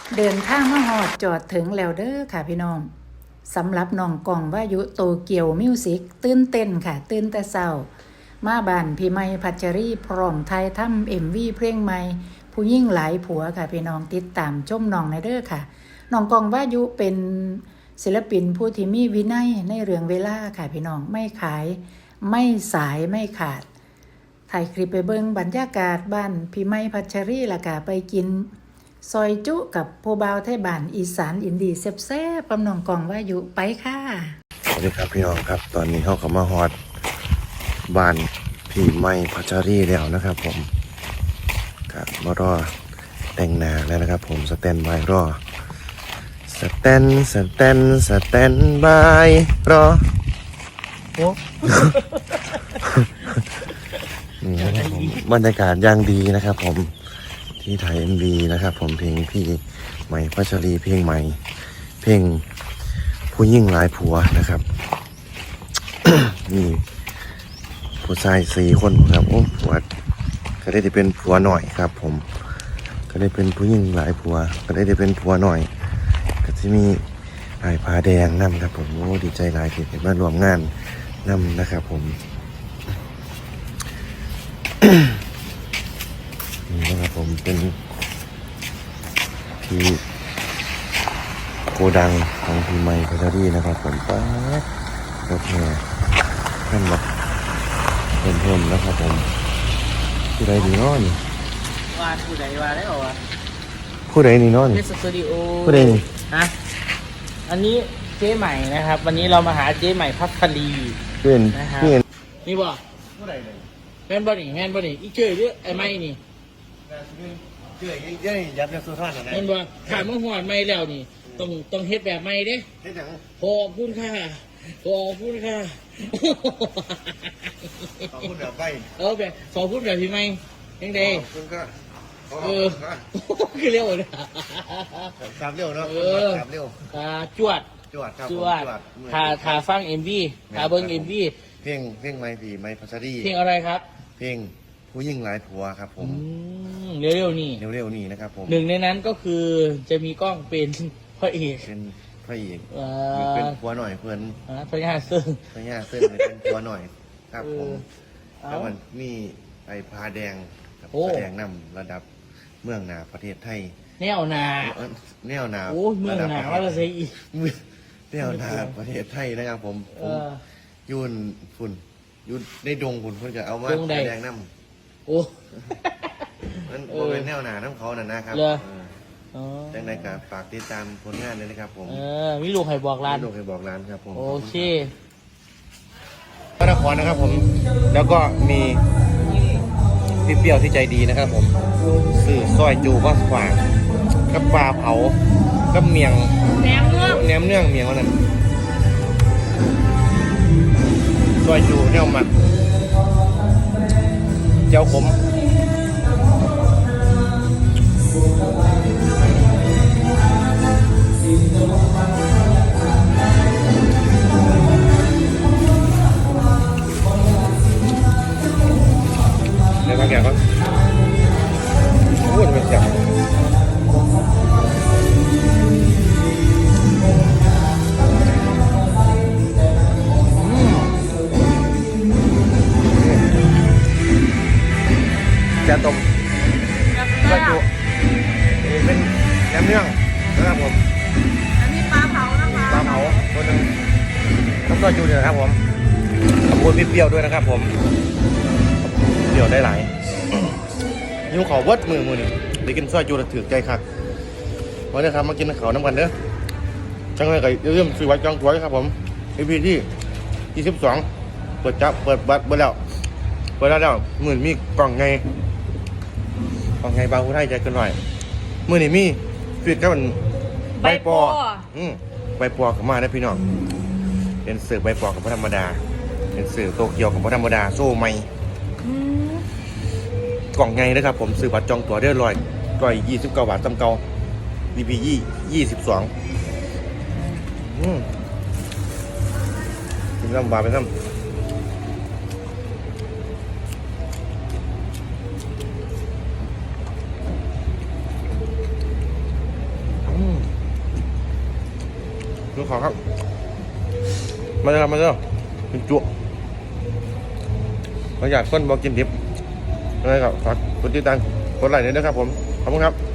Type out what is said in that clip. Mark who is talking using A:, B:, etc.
A: เดินทางมาฮอดจอดถึงแล้วเด้อค่ะพี่น้องสำหรับน้องกองวายุโตเกียวมิวสิกตื่นเต้นค่ะตื่นแต่เช้ามาบ้านพี่ไม้พัชรีพร้อมไทยทำMVเพลงใหม่ผู้ยิ่งหลายผัวค่ะพี่น้องติดตามชมน้องในเด้อค่ะน้องกองวายุเป็นศิลปินผู้ที่มีวินัยในเรื่องเวลาค่ะพี่น้องไม่ขายไม่สายไม่ขาดถ่ายคลิปไปเบิ่งบรรยากาศบ้านพี่ไม้พัชรีล่ะค่ะไปกินซอยจุกับผู้บ่าวไทยบ้านอีสานอินดีแซ่บๆกับน้องกองวายุไปค่ะ
B: สวัสดีครับพี่น้องครับตอนนี้เขาก็มาฮอดบ้านพี่ไม้พัชรีแล้วนะครับผมครับมารอแต่งหน้าแล้วนะครับผมสแตนบายรอสแตนบายรอโอ้นี่นะครับผมบรรยากาศอย่างดีนะครับผมที่ไทยMVนะครับผมเพลงพี่ไม้พัชรีเพลงใหม่เพลงผู้ยิ่งหลายผัวนะครับ นี่ผู้ชาย4 คนครับโอ้ผัวก็ได้เป็นผัวหน่อยครับผมก็ได้เป็นผู้ยิ่งหลายผัวก็ได้เป็นผัวหน่อยก็จะมีไอ้ผาแดงนำครับผมโอ้ดีใจหลายที่ได้มารวมงานนำนะครับผม นี่นะครับผมเป็นที่โกดังของพี่ไมค์พัชรีนะครับผมป้ารถแห่ท่านแบบเพิ่มนะครับผมผู้ใดดีน้อย
C: ว่าผู้ใดว่าได้หรอวะ
B: ผู้ใดนี่น้อย
C: เพชรสตูดิโอ
B: ผู้ใดนี่
C: ฮะอันนี้เจ๊ใหม่นะครับวันนี้เรามาหาเจ๊ใหม่พัชรี
B: เป็น
C: นะครับ
B: นี่
C: นี่บ่ผู้ใดเลยแม่นบ่นี่อีเจ้ยหรือไอ้ไม้นี่
B: เจ้ยยัยยับยับสุดท้ายนะ
C: แม่นบ่ขาเมื่อหอดไม้แล้วนี่ต้องเฮ็ดแบบไม้เด้
B: เฮ็ดหยัง
C: ขอบคุณค่ะขอบคุณ
B: แบบใบ
C: แบบขอบคุณแบบพี่ไม้ยังไง
B: คุณก็
C: คือเร็วเลย
B: สามเร็วเนาะสามเร็ว
C: จวด
B: ครับ
C: ถ่าฟังMVถ่าเบิ้งMV
B: เพลงไม้ผีไม้พัชรี
C: เพลงอะไรครับ
B: เพลงผู้ยิ่งหลายผัวครับผม
C: เร็วๆนี่
B: นะครับผม
C: หนึ่งในนั้นก็คือจะมีกล้องเป็นพระเอก
B: เป็นพระเอกเป็นผัวหน่อยเพื่อน
C: พระยาซึ่ง
B: เป็นผัวหน่อยครับผมแล้วมันมีไอ้ผาแดงผาแดงนำระดับเมืองนาประเทศไทย
C: แนวนาโอ้เมืองนาว่าจะใช่อี
B: แนวนาประเทศไทยนะครับผมยุ่นฝุ่นยุ่นในดงฝุ่นเพื่อนจะเอามาผาแดงนำ
C: โอ้
B: มันเป็นแนวนาน้ำเขานะครับจังใดกับฝากติดตามผลงานเลยนะครับผม
C: มีลูกให้บอกร้าน
B: ครับผม
C: โอเค
B: พระนครนะครับผมแล้วก็มีพี่เปรี้ยวที่ใจดีนะครับผมซื้อซอยจูก็ฝากกับปลาเผากับเมียงแหนมเนื่องเมียงวันนั้นซอยจูเนี่ยมันเจ้าขมเดี๋ยวมาแกะก่อนโอ้ยมันจับจะต้มกระจุเป็นแหนมเนืองนะครับผม
A: อันนี้ปลาเผานะคะ
B: ปลาเผาตัวนึงต้องก็จูเดียวครับผมขอบคุณพี่เปรี้ยวด้วยนะครับผมเปรี้ยวได้หลายยิ้วขอวัดมือนี่ได้กินซอยจูแล้วถือใจคักวันนี้ครับมากินข้าวน้ำกันเด้อจังเลยก็เริ่มซื้อไว้จองตัวครับผมEPที่22เปิดจับเปิดบัตรเปิดแล้วมือมีกล่องไงบางผู้ไทยใจเกินหน่อยมือนี่มีฟิตก็มันใบปอใบปอกับมาได้พี่น้องเป็นเสือใบปอกับพระธรรมดาเป็นเสือโตเกียวกับพระธรรมดาโซ่ไม่กล่องไงนะครับผมซื้อบัตรจองตั๋วได้129 บาทจำเก่า DP 22กินน้ำบาไปน้ำขอครับมาเลยครับมาเลยกินจุมาอยากคนบอกกินดิบอะไรครับฝากกดติดตามกดไลค์ด้วยนะครับผมขอบคุณครับ